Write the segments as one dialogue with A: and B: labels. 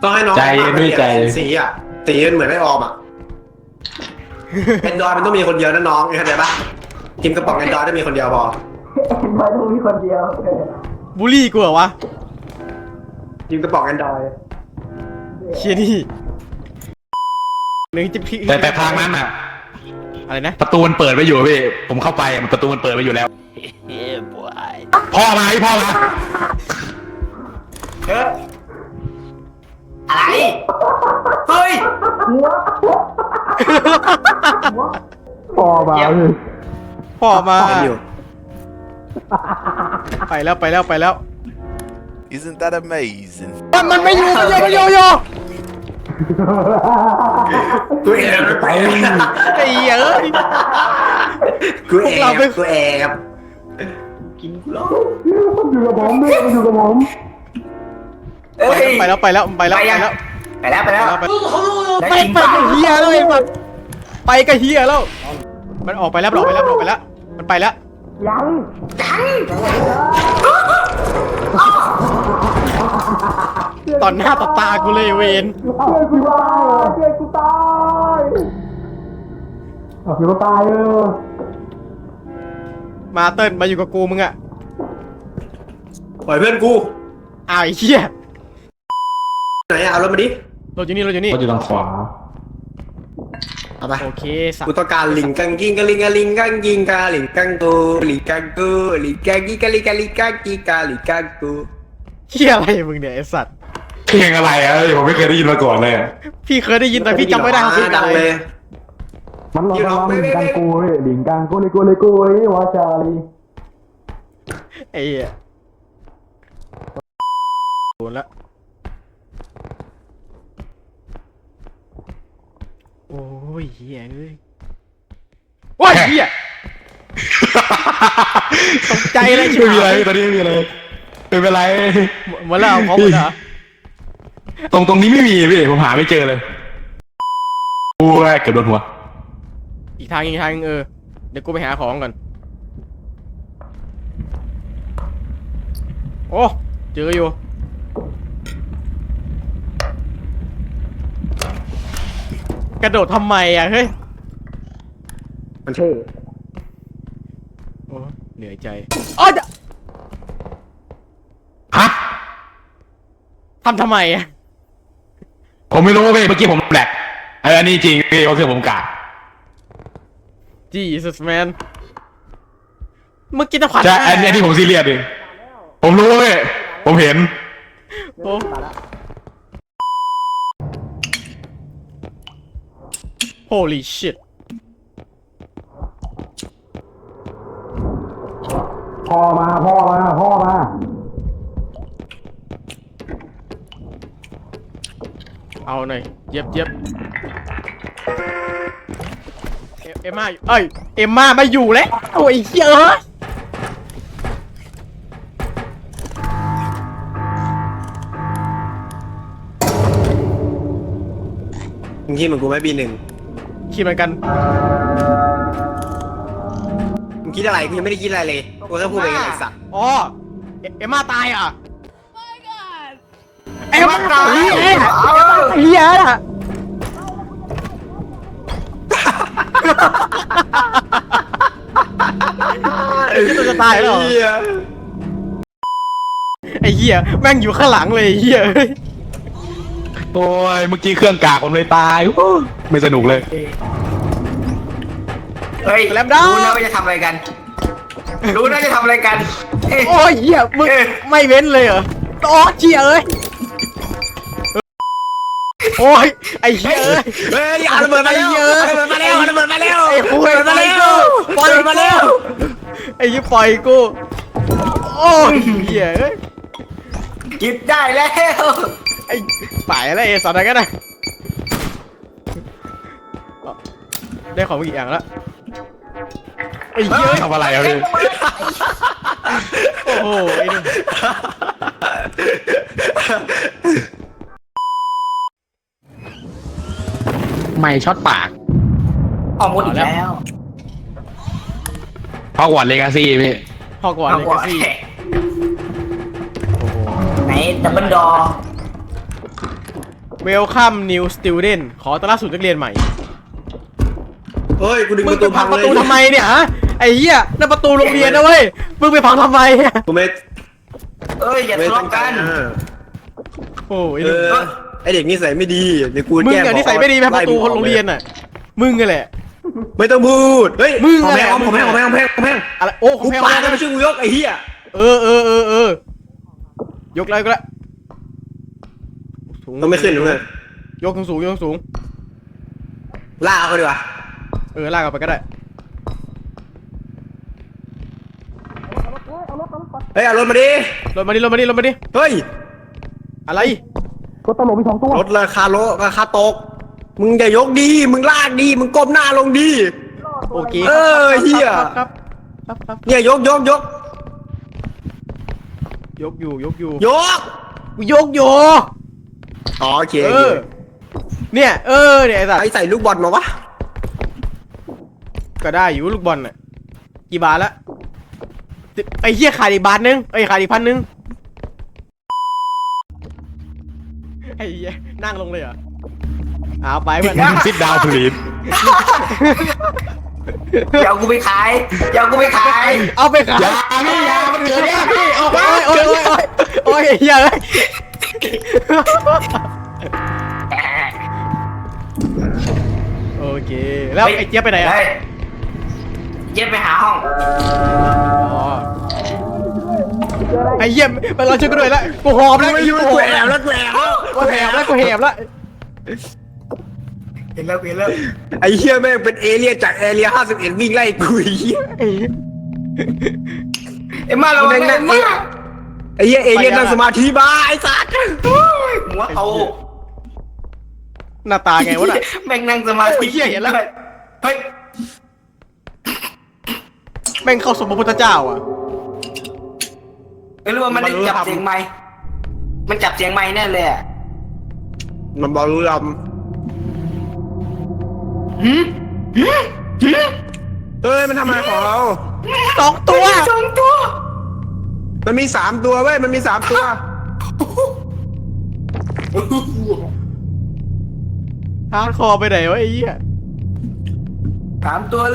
A: ต้องให้น้อง
B: ใจด้วยใจ
A: สีอ่ะสีมันเหมือนไม่ออมอ่ะแอนดรอยมันต้องมีคนเดียวนะน้องเข้าใจปะกินกระป๋องแอนดรอยได้มีคนเดียวพอ
C: ไม่ต้องมีคนเดียว
D: บูลลี่กูเหรอวะ
A: กินกระป๋องแอนดรอย
D: เชียนี่หนึ่งจะพี่
B: แต่ทางนั้นอ่ะ
D: อะไรนะ
B: ประตูมันเปิดไว้อยู่พี่ผมเข้าไปมันประตูมันเปิดไว้อยู่แล้วพ่อมาพี่พ่อมา
C: อะไรเฮ้ย
D: พ่อมา
A: อยู่
D: ไปแล้วไปแล้วไปแล้ว
E: Isn't that amazing?
D: มันไม่อยู่มันโย
A: กูแอบไป
D: ไอ้เหี้ยเอ้ย
A: กูแอบกูแอบกินกูหรอ
C: เอ้ย
D: ไปแล้วไปแล้วไปแล้วไปแล้ว
C: ไปแล้วไปแล้ว
D: ไป
C: ได้จริง
D: ไป
C: เปล่า
D: กับเฮียแล้วไอ้มันไปกับเฮียแล้ว มันออกไปแล้วมันออกไปแล้วมันออกไปแล้วมันไปแล้วตอนหน้าต่อตากูเลยเวน มาเติ้ลมาอยู่กับกูมึงอะ
A: ปล่อยเพื่อนกู
D: อ้าวไอ้เหี้ย
A: ไหนเอารถมาดิ
D: เราอยู่นี่เราอยู่นี่
B: ก็อยู่ทางขวา
A: เอาไป
D: โอเคสัต
A: กู
D: ว์
A: ต้องการลิงกังกิงกะลิงกะลิงกังกิงกะลิงกังกูลิงกังกูลิงกังกิกะลิงกะลิงกังกิกะลิงกังกู
D: เหี้ยอะไรมึงเนี่ยไอ้สัตว์
B: เพลงอะไรอ่ะผมไม่เคยได้ยินมาก่อนเลย
D: พี่เคยได้ยินแต่พี่จำไม่ได้เขาเพลง
A: ดั
D: อะ
A: ง
D: ไร
A: เลย
F: มันร้องลิงกังกูเว้ยลิงกังกูเลยกูเลยกูเว้ยวาจาลี
D: ไอ้เหี้ยโดนละโอ้ยเหี้ยเอ้ยโอ้ยเหี้ยตกใจเลย
B: ไม่มีอะไรตอนนี้ไม่มีอะไรไม่เป็นไร
D: หมดแล้วพร้อมหมดเหรอ
B: ตรงนี้ไม่มีพี่ผมหาไม่เจอเลยโอ้ยเกือบโดนหัว
D: อีกทางเดี๋ยวกูไปหาของก่อนโอ้เจออยู่กระโดดทำไมอ่ะเฮ้ย
A: มันเท่
D: โอ้เหนื่อยใจอ๋อจะ
B: ฮะ
D: ทำไมอ่ะ
B: ผมไม่รู้พี่เมื่อกี้ผมแปลกอันนี้จริงพี่ก็คือผมกะ
D: Jesus man เมื่อกี้จะขวัญ
B: ใช่อันนี้ผมซีเรียสเองผมรู้พี่ผมเห็น
D: โอ้Holy shit
F: พ่อมา
D: เอาหน่อยเย็บเอ็มม่าอยู่เอ้ยเอ็มม่าไม่อยู่แล้วโอ้ยเหี้ยเอะ
A: มึงคิดเหมือนกูไหมปีหนึ่ง
D: คิดเหมือนกัน
A: มึงคิดอะไรกูยังไม่ได้คิดอะไรเลยกูแค่พูดไปไงไอ้สัตว์
D: อ๋อเอ็มม่าตายอ่ะเอ็มม่าตายเหี้ยน่ะไอ้เหี้ยตัวจะตายแล้วเหรอ
A: เหี้ย
D: ไอ้เหี้ยแม่งอยู่ข้างหลังเลยไอ้เหี้ย
B: โอ้ยเมื่อกี้เครื่องกากผมเลยตายโอ้ยไม่สนุกเลย
C: เฮ้ย
D: แลมด้า
C: รู้นะว่าจะทำอะไรกันรู้นะจะทำอะไรกันเอ้ย
D: โอ้ยเหี้ยมึงไม่เว้นเลยเหรออ๋อเชี่ยเอ้ยโอ้ยไอ้เหี้ยเอ้ย
A: เฮ้ยอย่าระเบิดมาแล้วระเบิดมาแล้วระเบิดมาแล้ว
D: ไอ้คุย
A: ระเบิดมาแล้วปล่อยมาแล้ว
D: ไอ้ยี่ปล่อยกูโอ้ยเหี้ยเอ้ย
C: กินได้แล้ว
D: ไอ้ป่ายอะไรไอ้สัตว์อะไรกันนะได้ของมากี่อย่างแล้วไอ้เหี้ย
B: ทำอะไรอะพี่
D: โอ้โหไอ้นี่
B: ไม่ช็อตปาก
C: ออกหมดอีกแล้ว
B: ฮอกวอตส์เลกาซี่พี่
D: พอกว่า
C: เอา
D: เลย
C: ก่อน
D: กซี่
C: ไหนดับเบิลดอ
D: Welcome new student ขอต้อนรับสู่นักเรียนใหม่
A: เฮ้ยกูดึง
D: มึ
A: ป
D: ง
A: ระ
D: ไป
A: ตู
D: พั
A: พั
D: ง
A: ง
D: ประ
A: เลย
D: ตูทำไมเนี่ยฮะไอ้เหี้ยนั่นประตูโรงเรียนนะเว้ยมึงไปพังทำไม
A: กูไม่
C: เอ้ยอย่า
A: ไม่
C: ทะ
A: ตั้
C: เลาะ
A: งใจ
C: กัน
A: นะ
D: โอ้ย
A: เออไอเด็กนิสัยไม่ดีเดี๋ยวกู
D: มึง
A: แก้
D: อะนิสัยไม่ดีไปประตูโรงเรียนอ่ะมึงไงแหละ
A: ไม่ต้องพูดเฮ้ย
D: มึง
A: ขอ
D: อะไร
A: แพง
D: มึ
A: ของ
D: ง
A: แพงของแพงของแพงของแพง
D: อะไรโอ้ขอ
A: กู
D: งแพง
A: ปาก็ไปช่วยกูยกไอ้เหี้ย
D: เออยกแล้วสูง
A: ต้องไม่ขึ้นเลย
D: ยกสูง
A: ลากเขาดีกว่า
D: ลากเอาไปก็ได้
A: เฮ้ยเอารถมาดิ
D: ลงมาดิ
A: เฮ้ย
D: อะไร
F: ก็ตลกมี2 ตัว
A: รถราคาโลราคาตกมึงอย่ายกดีมึงลากดีมึงก้มหน้าลงดี
D: โอเค
A: เออเหี้ย
D: ครับ
A: เนี่ยยก
D: ยกอยู่
A: ยก
D: กูยกอยู่
A: อ๋อโอเค
D: เนี่ยไอ้สัตว์
A: ใครใส่ลูกบอลมาวะ
D: ก็ได้อยู่ลูกบอลน่ะกี่บาทละไอ้เหี้ยขาดอีกบาทนึงขาดอีก1,000ไอ้เหี้ยนั่งลงเลยเหรอเอาไปเพื่อน
B: ซิดดาวพลีน
C: อย่าเอากูไปขายอย่าเอากูไปขาย
D: เอาไปขาย
B: ยาพี่ยามันเกิดยาพี่เอาไป
D: โอ้ยเหี้ยเลยโอเคแล้วไอ้เจี๊ยบไปไหนอ่ะ
C: เฮ้ยเย็บไปหาห้อง
D: อ๋อไอ้เหี้ยมันเราช่วยกันด้วยแล้วกูหอบแล้ว
A: ไม่อยู่กูแอบแล้วกูแอบ
D: กูแหบแล้ว
C: เห็นแล้ว
A: ไอ้เหี้ยแม่งเป็นเอเลี่ยนจากแอเรีย51วิ่งไล่กูไอ้เหี้ย
C: เอ็มมาเราแม่งนั่งมา
A: ไอ้เหี้ยเอเลี่ยนนั่งสมาธิบ้าไอ้สัตว์
C: หัวโต
D: หน้าตาไงวะน่ะ
C: แม่งนั่งสมาธิ
D: โอ้ยเหี้ยเห็นแล้ว
C: เฮ้ย
D: แม่งเข้าสมพระพุทธเจ้าอ่ะ
C: ไม่รู้ว่ามันได้จับเสียงไม้มันจับเสียงไม้แน่เลยอ่ะ
A: มันบอกรู้ล
C: หืม
A: เฮ้ยมันทำอะไรของเรา
D: 2 ตัว
C: สองตัว
A: มันมี3ตัวเว้ยมันมี3ตัว
D: ฮาร์ดคอร์ไปไหนวะไอ้เหี้ย
C: 3 ตัวเลย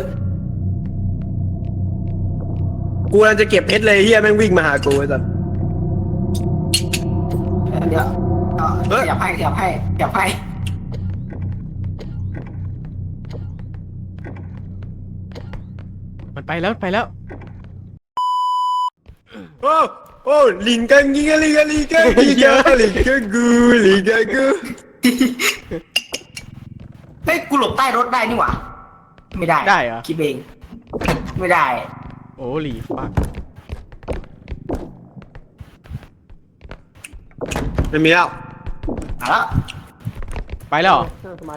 A: กูกำลังจะเก็บเพชรเลยเฮียแม่งวิ่งมาหากูไอ้สัส
C: เดี๋ยวขยับให้
D: มันไปแล้ว
A: โอ้โอ้ลิงกังยิงลิงกังลิงกังลิงกังลิงกังกูลิงกังกู
C: เฮ้ยกูหลบใต้รถได้นี่หว่าไม่ได้
D: ได้เหรอ
C: คิดเองไม่ได้
D: โอ้หลีฟัก
A: ไม่มีแล้ว
C: เอาละ
D: ไปแล้วเหรอ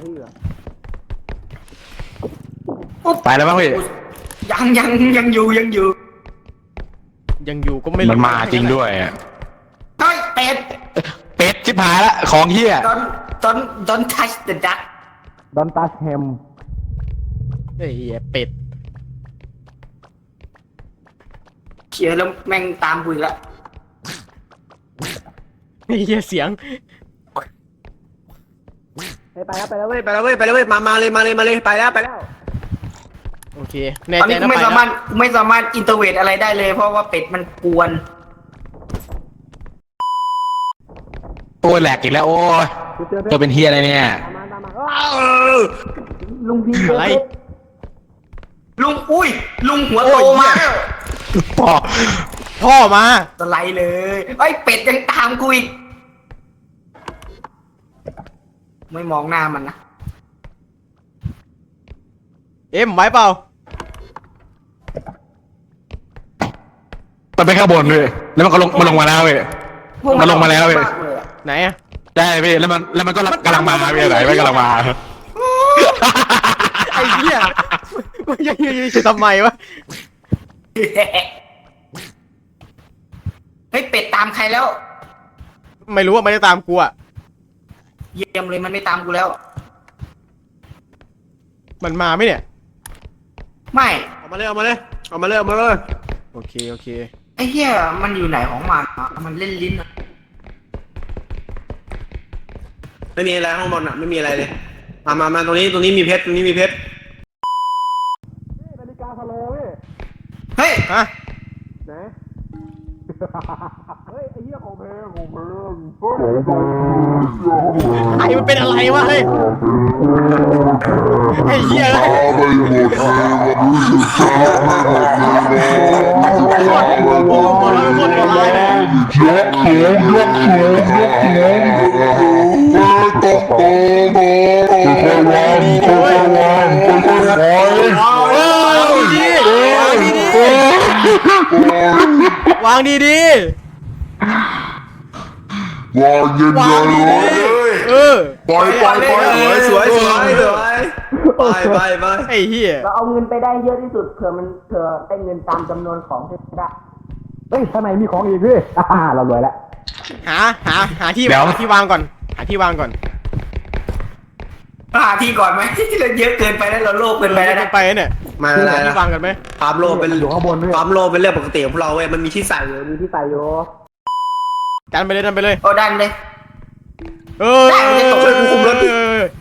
B: ไปแล้วมั้งพี่
C: ยังอยู่
D: ยังอยู่ก็ไม่รู้
B: มันมาจริงด้วยอะ
C: เฮ้ยเป็ด
B: เป็ดชิบหายละของเฮีย
C: don't touch the duck
F: ดอนตัชแฮม
D: ไอ้เหี้ยเป็ด
C: เขียแล้วแม่งตามกูอีกแล้ว
D: ไอ้เหี้ยเสียง
A: ไปแล้วเว้ยไปแล้วเว้ยมาเลยไปแล้ว
D: โอเคแน่
C: ตอน
D: ใจ
C: นี้
D: นะ
C: กู
D: ไป
C: ไม่
D: นะ
C: สามารถอินเตอร์เวทอะไรได้เลย เพราะว่าเป็ดมันกวน
B: โอ้ยแหลกอีกแล้วโอ้ยเธอเป็นเฮียอะไรเนี่ย
C: ลุงพี่
D: อะไร
C: ลุงหัวโตมา
D: พ่อมา
C: สไลด์เลยไอ้ยเป็ดยังตามกูอีกไม่มองหน้ามันนะ
D: เอ็มไหวเปล่า
B: มันไปข้างบนเลยแล้วมันก็ลงมาแล้วเว้ย มันลงมาแล้วเว้ย
D: ไหนอะ
B: ได้พี่แล้วมันก็กำลังมาพี่ไหนไม่กำลังมา
D: ไอ้เหี้ยมันยังจะทำไมวะ
C: เฮ้ยเป็ดตามใครแล้ว
D: ไม่รู้ว่าไม่ได้ตามกูอะ
C: เยี่ยมเลยมันไม่ตามกูแล้ว
D: มันมาไหมเนี่ย
C: ไม่
A: ออกมาเลย
D: โอเค
C: ไอ้เหี้ยมันอยู่ไหนของมันอะมันเล่นลิ้นอะ
A: ไม่มีอะไรข้างบนอ่ะไม่มีอะไรเลยมาตรงนี้มีเพชรตรงนี้มีเพชร
F: นาฬิกาสโลว์พี่
C: เฮ้ย
D: ฮะ
F: ไหนเฮ้ยไอ้เหี้ยของแพงของแพง
D: ไอ้มันเป็นอะไรวะเฮ้ยไอ้เหี้ยเลยโอ้โหมันโคตรโหดร้ายเลยวางดีๆวางดีๆเออ
A: ปล่อยสวยไป
D: ไอ้เหี้ย
G: เราเอาเงินไปได้เยอะที่สุดเผื่อได้เงินตามจำนวนของที่ได้
F: เฮ้ยข้างในมีของอีกพี่เรารวยแล้ว
D: หาที่วางก่อนหาที่วางก่อน
C: หาที่ก่อนไหมเราเยอะเกินไปแล้วเราโลภเกินไปแล้วนะ
D: ไปเนี่ย
A: มาอะไร
D: หาที่วางกันไหม
A: ความโลภเป็น
F: อยู่ข้างบนพี่
A: ความโลภเป็นเรื่องปกติของพวกเราเว้ยมันมีที่ใส่อยู่มีที่ใส่อยู่
D: ดันไปเลย
C: โอ้ดันเลย
D: เออ
A: ช่วยกูคุมรถดิ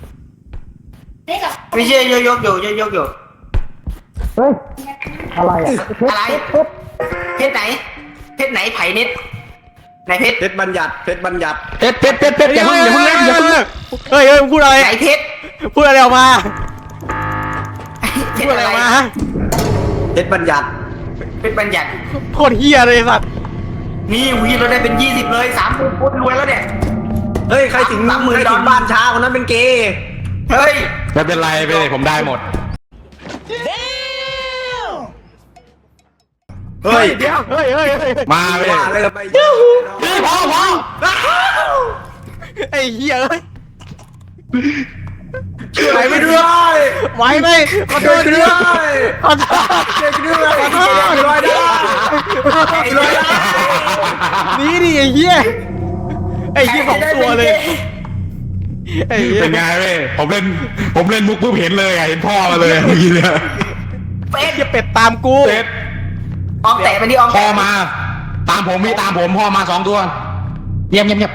C: ไม่เชื่อยกอยู่
F: เฮ้ยอะไรอ่ะเพชร
C: อะไร
F: เพชร
C: เพชรไหนไผ่เน็ตไหนเพชร
A: เพชรบัญญัติ
B: เพชรอย่าเพิ่งเล่นอย่าเพิ่งเล่น
D: เฮ้ยมึงพูดอะไร
C: ไหนเพชร
D: พูดอะไรออกมา
C: เพ
D: พู
C: ช
D: ด
C: ร
D: อะไร
C: อะไร
D: ออกมาฮะ
A: เพชรบัญญัติ
C: เพชรบัญญัติ
D: โคตรเฮียเลยไอ้สัตว์
C: นี่วีเราได้เป็น20เลย30ปุ๊บรวยแล้วเนี่ย
A: เฮ้ยใครถึงบ้านช้าคนนั้นเป็นเกย์
C: เฮ้ย
B: ไม่เป็นไรไปผมได้หมด
A: เฮ้ย
D: เฮ้ย
B: มาไป
A: ว่าอะไรกันไป
B: พอ
D: ไอ้เฮียเอ้ย
A: ช่วยไม่ด้วย
D: ไหวไหมขอโท
A: ช่วย
D: ษ
A: ด้
D: ด้
A: ว
D: วย ยขอโทษ
A: ช่วยด้วยช่วยด้วย
D: นี่ดิไอ้เฮียไอ้เฮียของตัวเลยไอ้เฮีย
B: เป็นไงเว้ยผมเล่นมุกปุ๊บเห็นเลยเห็นพ่อมาเลยเมื่อกี้เนี่ย
C: เป็ด
D: เฮียเป็ดตามกู
B: เซ็ต
C: ออมแตะไปดิออม
B: พ่อ
C: แตะ
B: มา ตามผมพ่อมา2 ตัวเงียบ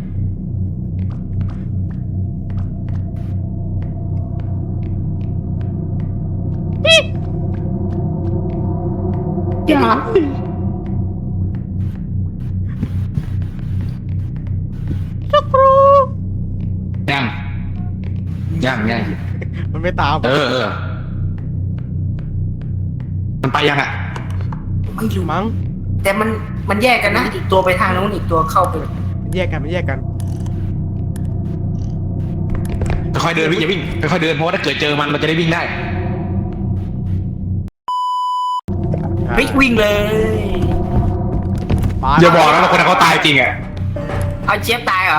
B: ยัง
D: มันไม่ตาม
B: เออมันไปยังอ่ะ
C: ไม่รู้
D: มั้ง
C: แต่มันแยกกันนะอีกตัวไปทางนู้นอีกตัวเข้าไป
D: มันแยกกัน
B: ค่อยๆเดินวิ่งอย่าวิ่งค่อยๆเดินเพราะว่าถ้าเกิดเจอมันเราจะได้วิ่งได้
C: เฮ้ยวิ่งเลย
B: อย่าบอกนะว่าคนนั้นเขาตายจริงอ่ะ
C: เอาเจี๊ยบตายเหรอ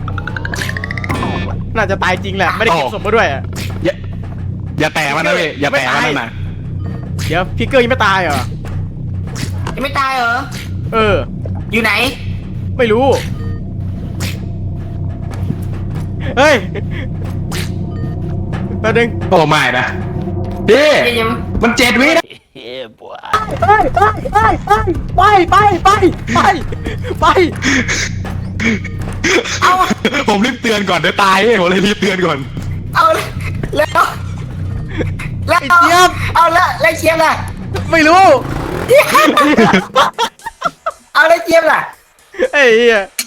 D: น่าจะตายจริงแหละไม่ได้เก็บศพมาด้วยอะ
B: อย่าแตะมันนะเว้ยอย่าแตะมันนั่นน่ะ
D: เดี๋ยวพี่เกอร์ยังไม่ตายเหรอ
C: ยังไม่ตายเหรอ
D: เออ
C: อยู่ไหน
D: ไม่รู้ เฮ้ยแป๊บนึง
B: โอ้ไม่นะพี่
C: ยัง
B: มัน7 วินะ
D: ไป
C: เอา
B: ผมรีบเตือนก่อนเดี๋ยวตายผมเลยรีบเตือนก่อน
C: เอาแล้วแล้ว
D: ไอ้เจี๊ยบ
C: เอาแล้วเจี๊ยบล่ะ
D: ไม่รู้
C: เอาแล้วเจี๊ยบล่ะ
D: ไอ้เหี้ย